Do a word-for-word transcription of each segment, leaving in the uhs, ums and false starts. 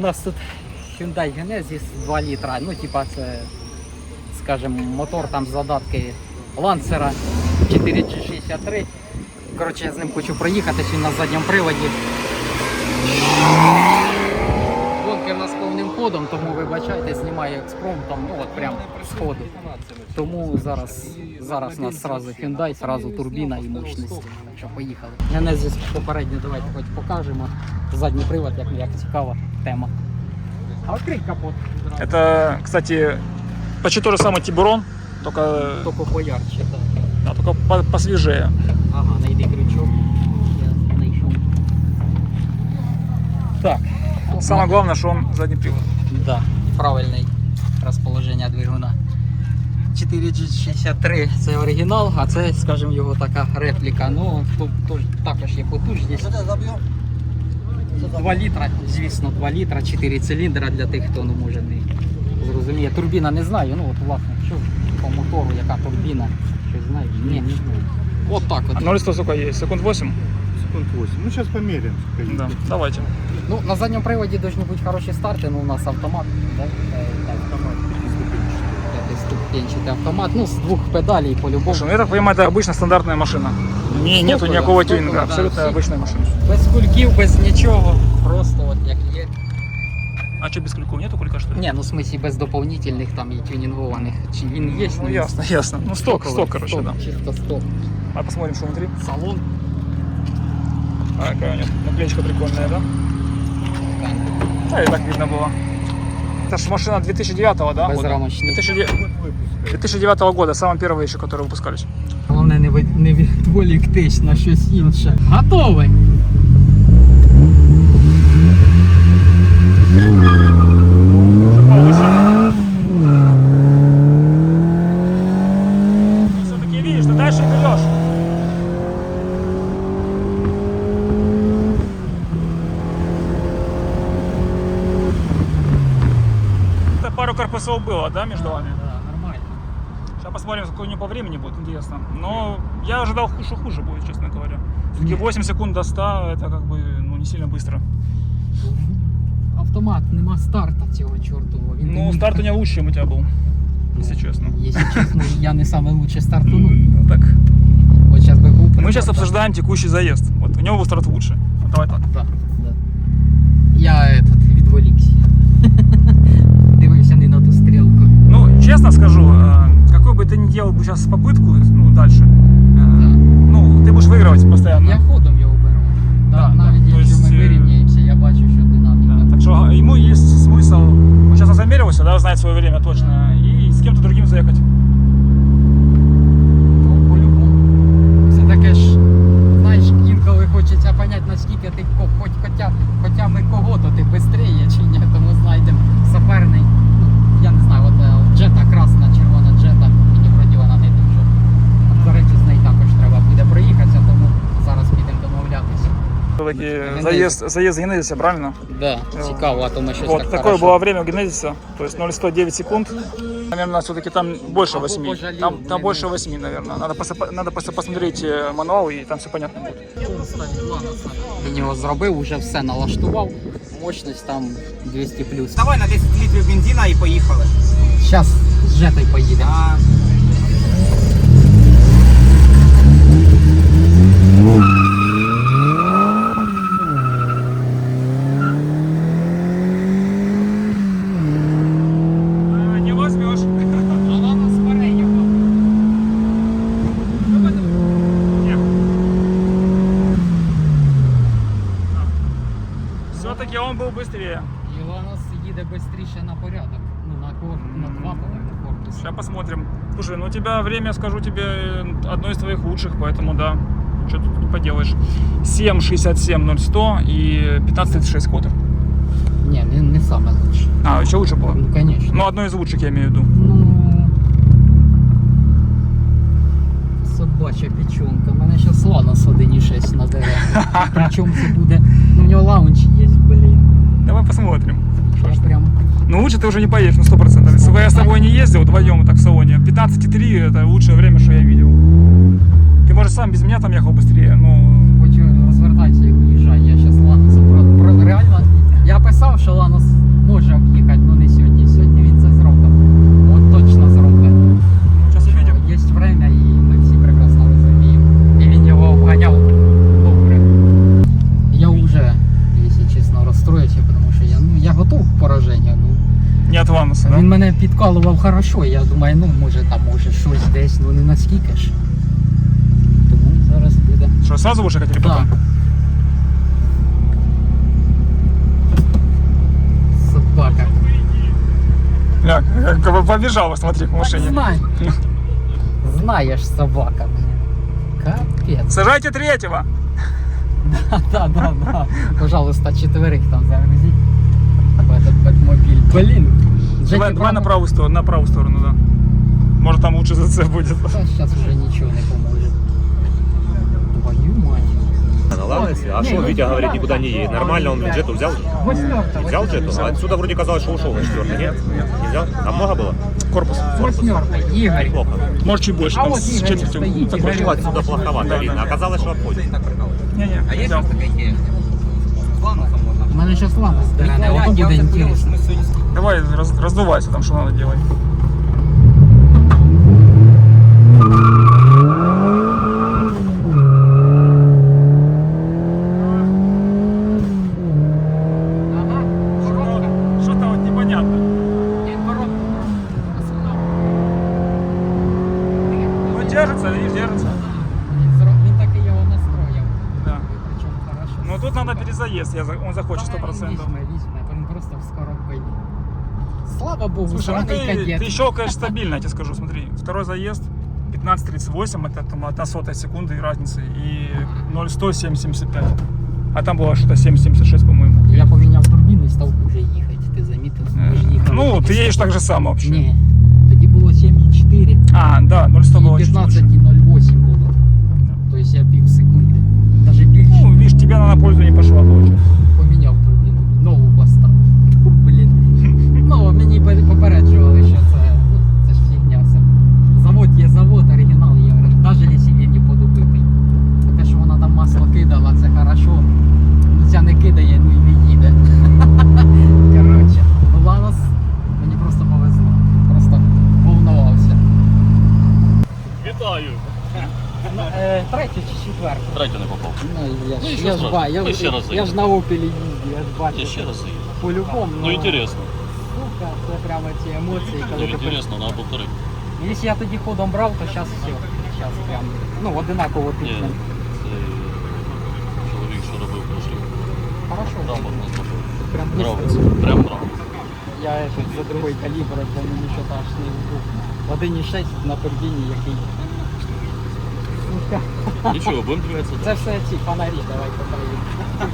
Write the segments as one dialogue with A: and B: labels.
A: нас тут Hyundai Genesis два літра, ну типа це, скажімо, мотор там задатки Lancer чотири джі шістдесят три. Коротше, я з ним хочу проїхатись, він на задньому приводі. Гонки в нас повним ходом, тому вибачайте, знімаю експромтом, ну от прям з ходу. Тому зараз, зараз у нас сразу Hyundai, сразу турбіна і мощність. Що, поїхали. Genesis попередньо давайте хоч покажемо. Задній привод, як, як цікава тема. А відкрий капот.
B: Это, кстати, почти то же самое Тибурон, только,
A: Тільки поярче, так.
B: да, только по- посвежее.
A: Ага, найди крючок. Я знайшов. Так.
B: Самое главное, что он задний привод.
A: Да, правильне розположення двигуна. чотири джі шістдесят три це оригінал, а це, скажімо, його така репліка. Ну, тут, тут також є потужність. два літра, звісно, два літра, чотири циліндра для тих, хто не може не зрозуміє. Турбіна не знаю, ну от власне, що по мотору, яка турбіна, щось знаєш? Ні, не знаю. От так от.
B: А ноль сто сколько есть? Секунд восемь?
C: Секунд восемь. Ну сейчас померяем. сколько
B: Да,
C: едет.
B: давайте.
A: Ну, на задньому приводі повинні бути хороші старти, ну у нас автомат, да? Е, так,
C: Автомат пятиступенчатый.
A: п'ятиступенчатий автомат, ну з двох педалей по-любому.
B: Слушай, ну я так понимаю, это обычно стандартная машина. Не, нету
A: Стоковая,
B: никакого
A: стоковая,
B: тюнинга,
A: да,
B: абсолютно
A: все.
B: обычная машина.
A: Без кульків, без нічого, просто от як є.
B: А что, без крюков нету кулька, что ли?
A: Ні, ну в смысле без дополнительних там і тюнінгованих. Чи він є?
B: Ну ясно, ясно. Ну сток, сток, короче,
A: сток,
B: да.
A: Чисто сток.
B: А посмотрим, что внутри.
A: Салон.
B: А, какая у него наклеечка прикольная, да? Да, и так видно было. Это ж машина две тысячи девятого, да? года?
A: Безрамочний.
B: две тысячи девятого две тысячи девятого года, самые первые еще, которые выпускались.
A: Головне не, від- не відволіктись на щось інше. Готовий.
B: Все-таки видишь, ты дальше берешь. Это пару корпусов было, да, между вами?
A: Да, нормально.
B: Сейчас посмотрим, какой у него по времени будет, интересно. Но я ожидал, что хуже будет, честно говоря. Все-таки восемь секунд до ста, это как бы ну, не сильно быстро.
A: Автомат, нема старта цього чортового. Він
B: Ну,
A: не-
B: старт у меня лучше, чем у тебя был, если честно.
A: Якщо чесно, я не саме лучше стартунув.
B: Ну, так.
A: От зараз би був
B: Мы сейчас
A: прикольно.
B: обсуждаем текущий заезд. Вот у него был старт лучше. Вот давай так.
A: Да, да. Я этот, відволікся. Дивився не на ту стрілку.
B: Ну, честно скажу, э, какой бы ты ни делал бы сейчас попытку, ну, дальше, э,
A: Да.
B: ну, ты будешь выигрывать постоянно.
A: Я ходом його беру.
B: Да,
A: Да,
B: да,
A: навіть
B: то
A: якщо
B: есть,
A: ми
B: е,
A: вирівняємося, я бачу, що динаміка.
B: Да, так что ему есть смысл, он сейчас замерился, да, знает свое время точно, и с кем-то другим заехать.
A: Ну, по-любому. Все таке ж, знаєш, інколи хочеться поняти, наскільки ти ко- хоч хоча, хоча ми кого-то ти швидше чи ні, тому знайдемо саперний. Ну, я не знаю, от е, джета красна, червона джета, мені вроді вона не дуже. До речі, з нею також треба буде проїхатися, тому зараз підемо домовлятися.
B: Все-таки
A: Генезис.
B: заезд, заезд Генезиса, правильно?
A: Да, цікаво, а то ми щось
B: Вот
A: так
B: такое
A: хорошо.
B: было время у Генезиса, то есть ноль сто девять секунд. Наверное, все-таки там больше
A: Або
B: восьми.
A: пожалел,
B: Там, там
A: не
B: больше
A: меньше.
B: восьми, наверное. Надо просто, надо просто посмотреть э, мануал, и там все понятно будет.
A: Він його зробив, вже все налаштував, мощність там двісті плюс.
D: Давай на десять літрів бензина і поїхали.
A: Зараз з жетою поїдемо.
D: А,
B: А, не возьмешь.
A: Вона збере його.
B: Все-таки он был быстрее.
A: Іланос їде швидше на порядок. Ну, на, кор... на два, по-моєму, корпуси.
B: Сейчас посмотрим. Слушай, ну у тебя время, скажу тебе, одно из твоих лучших, поэтому да. Что тут поделаешь? семь шестьдесят семь ноль сто и пятнадцать тридцать шесть квотер.
A: Ні, не, не саме лучше.
B: А, еще лучше было?
A: Ну, звісно.
B: Ну, одно из лучших, я имею в виду.
A: Ну, собача печенка. У мене зараз Ланос один і шість на дереві. Причому це буде. Ну, у нього лаунч є, блін.
B: Давай посмотрим.
A: Я прям.
B: Ну, лучше ты уже не поедешь, ну, сто процентов. Если бы я с тобой не ездил вдвоем так в салоне, пятнадцать три это лучшее время, что я видел. Ты, может, сам без меня там ехал быстрее, но...
A: Хочу розвертатися і уїжджай. Я зараз Ланосом про, про реально. Я я писав, що Ланос може об'їхати, але не сьогодні. Сьогодні він це зробить. От точно зробить.
B: Сейчас увидим.
A: Є время, і ми всі прекрасно розуміємо. І він його обганяв добре. Я вже, якщо чесно, розстроївся, тому що я, ну, я готов к пораженню. Ну,
B: Не от Ланоса, да?
A: він мене підкалував хорошо, я думаю, ну може там може щось десь, ну не наскільки ж. Тому зараз буде.
B: Что, сразу будешь ехать или
A: Так.
B: потом?
A: Собака.
B: Ля, как бы побежала, смотри, в машине.
A: Знай. Знаєш, собака, блін. Капець.
B: Сажайте третьего.
A: Да, да, да, да. Пожалуйста, четверых там загрузить в этот Бэтмобиль. Блин.
B: Давай, давай на правую сторону, на правую сторону, да. Может там лучше за це будет.
A: Сейчас уже ничего не поможет. Твою мать.
E: На Ланосе? А
A: Не,
E: что,
A: ну,
E: Витя говорит,
A: да,
E: никуда не
A: да,
E: едет.
A: да,
E: Нормально, он
A: да.
E: джету взял же?
A: Восьмерка.
E: Взял джету? А отсюда вроде казалось, что ушел на четвертый, нет? Не взял? А много было?
B: Корпус.
A: Восьмерка. Игорь.
E: Неплохо.
B: Может чуть больше,
A: А
B: там
A: вот
B: с
A: Игорь
B: четвертью.
A: стоит,
B: Так,
A: Игорь.
E: Ну, отсюда плоховато
B: Да,
E: видно.
B: да.
E: Оказалось, что обходит.
B: Не-не,
D: А є
B: взял.
D: щось таке є? З Ланосом можна.
A: У мене зараз Ланос дерне,
D: Ніхуя,
A: ото
D: я
A: буде
D: вже поняв, що
A: інтересно.
D: ми сьогодні
B: Давай, раз, раздувайся там, что надо делать.
A: Ага, коробка.
B: Что-то вот непонятно.
A: Він коробку.
B: Ну держится, видишь, держится.
A: Він зро- Він таки його настроїв.
B: Да.
A: Причому хорошо.
B: Ну тут надо перезаезд, я, за- он захочет сто процентов.
A: Візьме, візьме, він просто в скоробку. Слава Богу,
B: Слушай, ну
A: сраний
B: ты,
A: кадет.
B: ты щелкаешь стабильно, я тебе скажу, смотри. Второй заезд, пятнадцать тридцать восемь, это там одна сотая секунды разницы, и ноль сто семь семьдесят пять. А там было что-то семь семьдесят шесть, по-моему.
A: Я поміняв турбіну і став хуже їхати, ти замітив? Ми ж їхали
B: Ну,
A: тоді
B: ты едешь
A: сто-
B: так же само вообще.
A: Ні, тоді було сім і чотири,
B: А, да, ноль сто было
A: і
B: чуть
A: п'ятнадцять
B: лучше.
A: і ноль вісім було. Тобто я пів секунди, навіть більше.
B: Ну, видишь, тебе она на пользу не пошла, получается.
A: Поміняв турбіну, нову поставив. Блін. Ну, мені пе- попереджували, що це, ну, це ж фігня все. Завод є завод, оригінал є, навіть якщо він не подобитий. Те, що вона там масло кидала, це хорошо. Ну, ця не кидає, ну і не їде. Коротше, ну Ланос мені просто повезло. Просто волнувався.
F: Вітаю!
A: Ну, е, третю чи четверту?
F: Третю не попав.
A: Ну, я,
F: Ну,
A: ж-
F: нічого
A: я ж
F: страшного.
A: ба, я,
F: Ми ще
A: я,
F: раз
A: я
F: заїдемо.
A: ж на опелі їздю, я ж бачу.
F: Я ще раз заїду.
A: По-любому.
F: Ну, інтересно.
A: Сука, це прямо ці емоції,
F: Ну,
A: коли ти
F: інтересно, треба повторити.
A: Якщо я тоді ходом брав, то зараз все. Зараз прям, ну, одинаково
F: Ні,
A: тисне.
F: це чоловік, що робив прошлий.
A: Хорошо.
F: Грамотно зробив.
A: Прям
F: Нравиться.
A: быстро.
F: Прям нравиться.
A: Я этот, за другой калібр, бо мені що аж не був. один і шість на турбіні, який. Сука.
F: Нічого, будемо дивитися.
A: Це все ці фонарі, давай поправимо.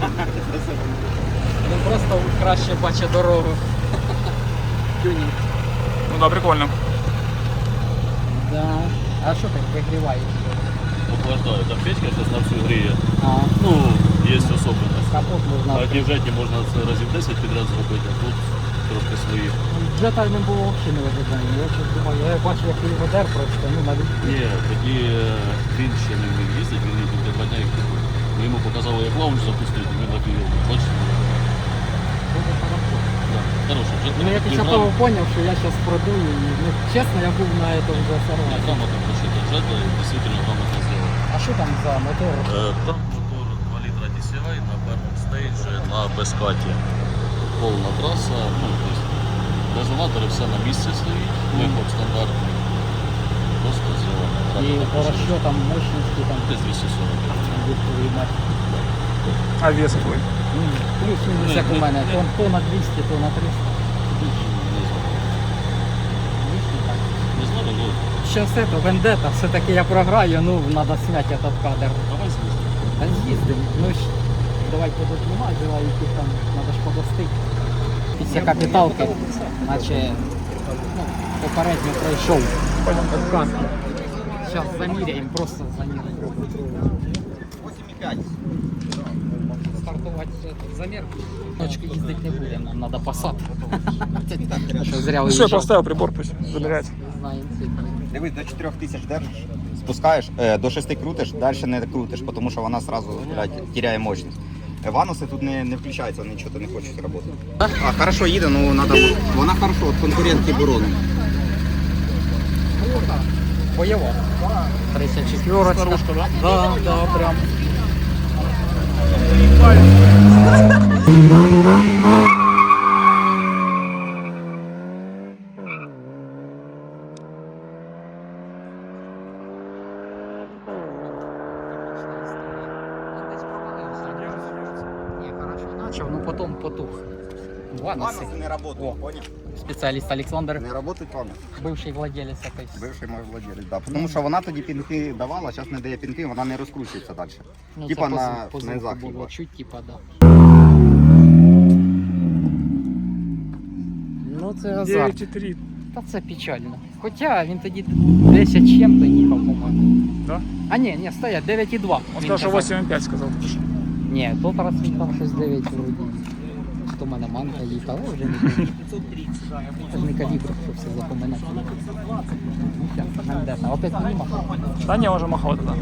A: Ну просто краще бачить дорогу. Тюнінг.
B: Ну да, прикольно.
A: Да. А що так вигріваєш?
F: Охлаждаю. Там печка зараз на всю гріє.
A: А,
F: Ну, є особливість.
A: капот можна.
F: На дівжеті можна це разів десять підряд зробити, а тут трошки свої.
A: Джета не було взагалі не виглядання. Я щось думаю, я бачу, як він ведер просто, ну навіть.
F: Ні, тоді е, він ще не вмів їздити, він їздив де два дня як пішов. Ми йому показали, як лаунж запустити, він напівів. Бачите?
A: Дуже хорошо.
F: Да. Хороший джет.
A: Ну я після того зрозумів, що я зараз продую і, ну, чесно, я був на этом вже
F: Я
A: сорвані.
F: грамотно прошита джета і дійсно грамотно зробив.
A: А що там за мотор?
F: Е, Там мотор два літра ді сі ай на першому стейджі на безкаті. Повна траса, ну, тобто резонатори все на місці стоїть, виход стандартний. Просто зелено.
A: І по розчетам мощності там
F: Десь двісті сорок.
A: відповідь мать.
B: А вес твой?
A: Ну, плюс-мінус
F: Ні,
A: як у
F: ні,
A: мене.
F: ні.
A: То, то на двісті, то на триста. Більше.
F: Не знаю.
A: Більше так.
F: Не знаю, ну,
A: Ще все то вендета, все-таки я програю, ну треба зняти этот кадр.
F: давай з'їздимо.
A: Та з'їздимо. Ну ж, давай подознімай, желаючи там, треба ж подостити. Після капіталки, наче ну, попередньо пройшов откат. Зараз заміряємо, просто заміряємо.
D: вісім і п'ять.
A: Стартувати замір. Точки їздити не будемо, нам треба посад. Що зря
B: Ну что, я
A: уїжджав.
B: поставил прибор, пусть забирает.
A: Знаємо цифри.
D: Дивись, до чотирьох тисяч держиш, спускаєш, е, до шести крутиш, далі не крутиш, тому що вона одразу блядь, теряє мощність. Вануси тут не, не включаються, вони нічого не хочуть працювати. А, хорошо їде, ну надо, вона хорошо, от конкурентки борони.
A: Бойова. тридцять четвірка.
B: Старушка, да?
A: Да, да, прям. Не, хорошо начал, но потом потух. Ванусы.
D: Вануси не працюють,
A: О.
D: понял?
A: Специалист Александр,
D: Не працюють вануси.
A: бывший владелец этой.
D: Бивший мой владелець, да. Тому що вона тоді пінки давала, зараз не дає пінки, вона не розкручується далі.
A: Ну,
D: Типа
A: це
D: на,
A: по- по
D: на
A: звуку
D: захід.
A: було чуть, типа, да. Ну це азарт.
B: девять и три.
A: Та це печально. Хоча він тоді десять чим-то їхав, по-моєму.
B: Да?
A: А ні, ні, стоять, дев'ять і два.
B: Он
A: Він
B: сказал, что
A: казав.
B: восемь и пять сказал.
A: Ні, тот раз він там щось дев'ять вроді. Хто в мене манка їхала, вже не помню. Це ж не калібр, що все запоминати. Ну, щас, нам де там, опять мені махав.
B: Да не, он уже махал тогда.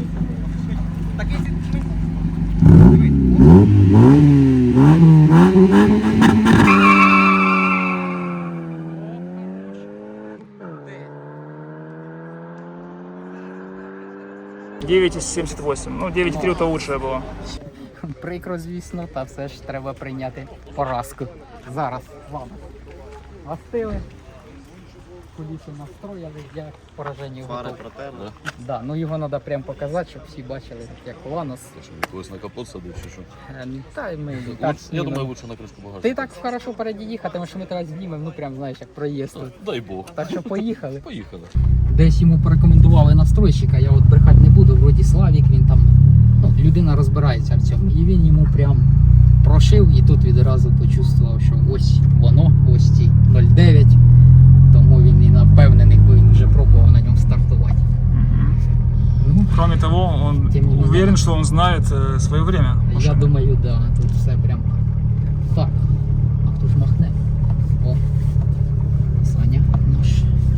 B: девять семьдесят восемь. Ну, девять и три это лучшее было.
A: Прикро, звісно, та все ж треба прийняти поразку. Зараз з вами. Гостили. Куліси настроїли, я к пораженню
F: Фари
A: готов.
F: протер, да?
A: Да, ну його треба прям показати, щоб всі бачили, як Ланос.
F: Ти що, когось на капот садив чи що?
A: Е, Та й ми і
F: Луч-
A: так
F: Я
A: знімемо.
F: думаю, лучше на кришку багажника.
A: Ти так хорошо впереді їхати, тому що ми тебе знімемо, ну прям знаєш, як проїзд тут.
F: Дай Бог.
A: Так що поїхали.
F: Поїхали.
A: Десь йому порекомендували настройщика, я от брехати не буду, вроді Славік, він там, ну, людина розбирається в цьому. І він йому прям прошив і тут відразу почувствував, що ось воно, ось ці нуль дев'ять. Тому він і напевнений, бо він вже пробував на ньому стартувати. Ну,
B: Кроме того, он
A: Тем не менее.
B: уверен, что он знает э, свое время.
A: я думаю, да, тут все прям так. А хто ж махне? О, Саня наш.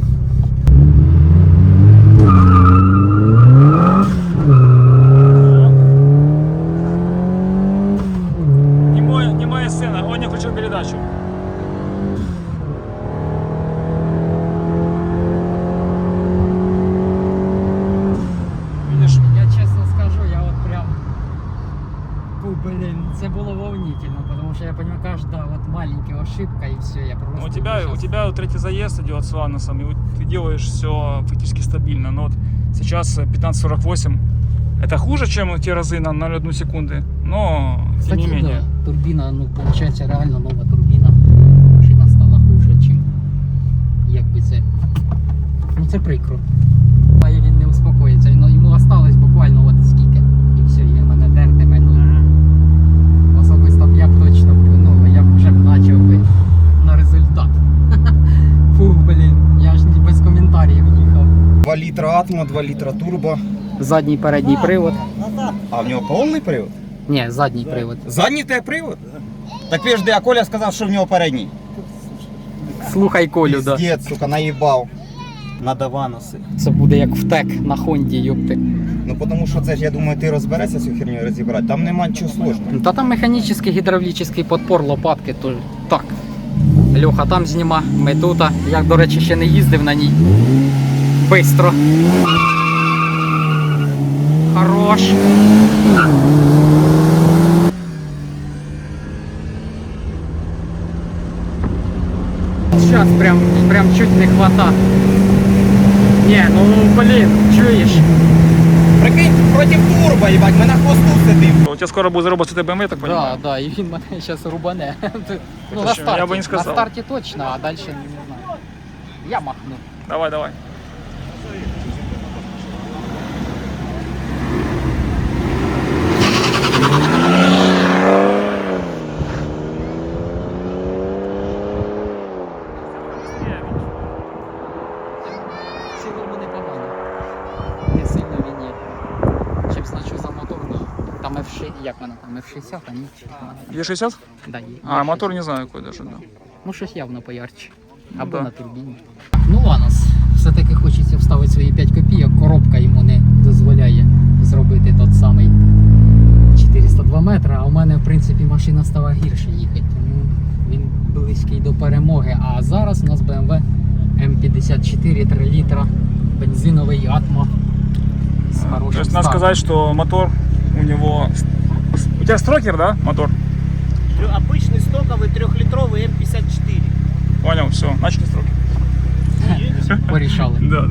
B: Немая, немая сцена, он не включил передачу. Видишь?
A: Я чесно скажу, я от прям, фу, блин, це було волнительно, потому что я понимаю, каждая вот маленькая ошибка и все, я просто...
B: У тебя, у тебя третий заезд идет с Ланосом, и вот ты делаешь все фактически стабильно. Но вот сейчас пятнадцать сорок восемь. Это хуже, чем те разы на ноль целых одну секунды, но тем
A: Кстати,
B: не менее.
A: да, турбина, ну, получается, реально нова турбина. Машина стала хуже, чим якби це. Ну це прикро. Має він не успокоїться, ну, йому осталось буквально от скільки. І все, і мене дертиме. Ну, особисто б я б точно, ну, я б вже б начав би на результат. Фу, блін, я ж не без коментарів їхав.
D: два літра атмо, два літра турбо.
A: Задній передній привод.
D: А в нього повний привод?
A: Ні, задній привод.
D: Задній те привод? Так ви ж де, а Коля сказав, що в нього передній.
A: Слухай Колю, да.
D: Піздець, сука, наїбав. Надо вануси.
A: Це буде як втек на Хонді, юпти.
D: Ну тому що це ж, я думаю, ти розберешся цю херню розібрати. Там нема нічого сложного.
A: Ну, та там механічний гідравлічний подпор лопатки, то так. Льоха там зніма, ми тут. Я, до речі, ще не їздив на ній. Бистро. Хорош. Сейчас прям, прям чуть не хвата. Не, ну блин, чуєш?
D: Прикинь, проти турбо, їбать, ми на хвосту сидим.
B: У тебя скоро будет заработать бэ эм вэ, я так
A: Да,
B: понимаю?
A: да, і він мене зараз рубане. Ну,
B: Это
A: на
B: что,
A: старті,
B: я бы не
A: на
B: сказал.
A: старті точно, а далі не знаю. Я махну.
B: Давай, давай.
A: В цілому непогано. Не сильно він є. Чим значу за мотор, ну, там еф шістдесят, як вона там, еф шістдесят, а ні?
B: Е шестьдесят?
A: Да, є.
B: А, мотор не знаю какой даже, да.
A: Ну, щось явно поярче.
B: Ну,
A: Або
B: да.
A: на турбіні. Ну, Ланос. Все-таки хочеться вставити свої п'ять копійок. Коробка йому не дозволяє зробити тот самий чотириста два метри. літра, а у мене в принципі машина стала гірше їхати, тому він близький до перемоги. А зараз у нас бе ем ве ем п'ятдесят чотири три літра, бензиновий Атмо з
B: То
A: хорошим
B: есть надо
A: стартом.
B: сказать, что мотор у него... У тебя строкер, да, мотор?
G: Обычный стоковый трехлитровый эм пятьдесят четыре.
B: Понял, все, начали строкер.
A: Порішали.
B: Да, да.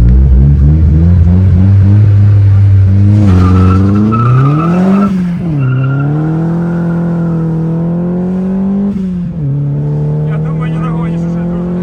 B: Я думаю, не нагонишь уже,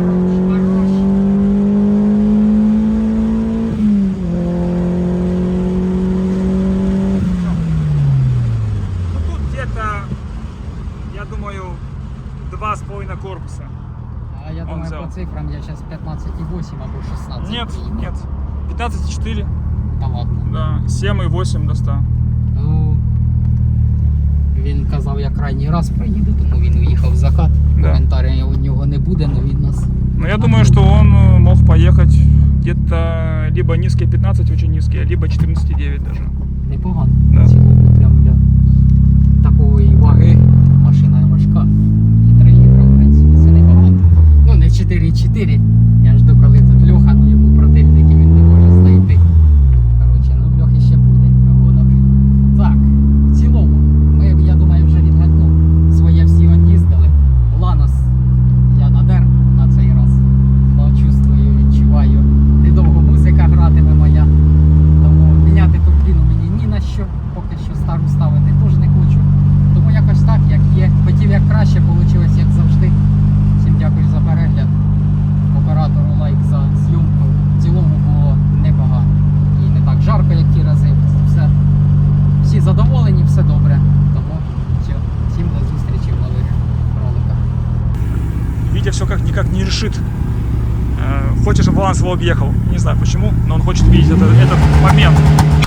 B: Ну тут где-то, я думаю, два с половиной корпуса.
A: А я
B: Он
A: думаю,
B: взял.
A: по цифрам я зараз п'ятнадцять і вісім або шістнадцять.
B: Нет,
A: приїду.
B: нет. пятнадцать и четыре,
A: Та ладно.
B: да, семь и восемь до ста.
A: Ну, він казав, я крайній раз проїду, тому він уїхав в закат.
B: Да.
A: Коментаря у нього не буде, але він нас.
B: Но я думаю, что он э, мог поехать где-то либо низкие пятнадцать, очень низкие, либо четырнадцать и девять даже.
A: Непогано.
B: Да.
A: В цілому, прям для такої ваги машина важка. І три літра, в принципі, це непогано. Ну, не чотири чотири. Я жду, коли тут Льоха, ну йому противники він не може знайти. Коротше, ну в Льохи ще буде гонок. Так, в цілому, ми, я думаю, вже відгадну. Своє всі од'їздили. Ланос я надер на цей раз. Но чувствую, відчуваю. Недовго музика гратиме моя. Тому міняти турбіну мені ні на що. Поки що стару ставити теж не хочу. Тому якось так, як є. Хотів як краще, вийшло як завжди. Всім дякую за перегляд. Оператору лайк за зйомку. В цілому було непогано. І не так жарко, як ті рази. Все. Всі задоволені, все добре. Тому все. Всім до зустрічі в нових роликах.
B: Витя все как никак не решит. Э, Хочет, чтобы Валанс его объехал. Не знаю почему, но он хочет видеть это- этот момент.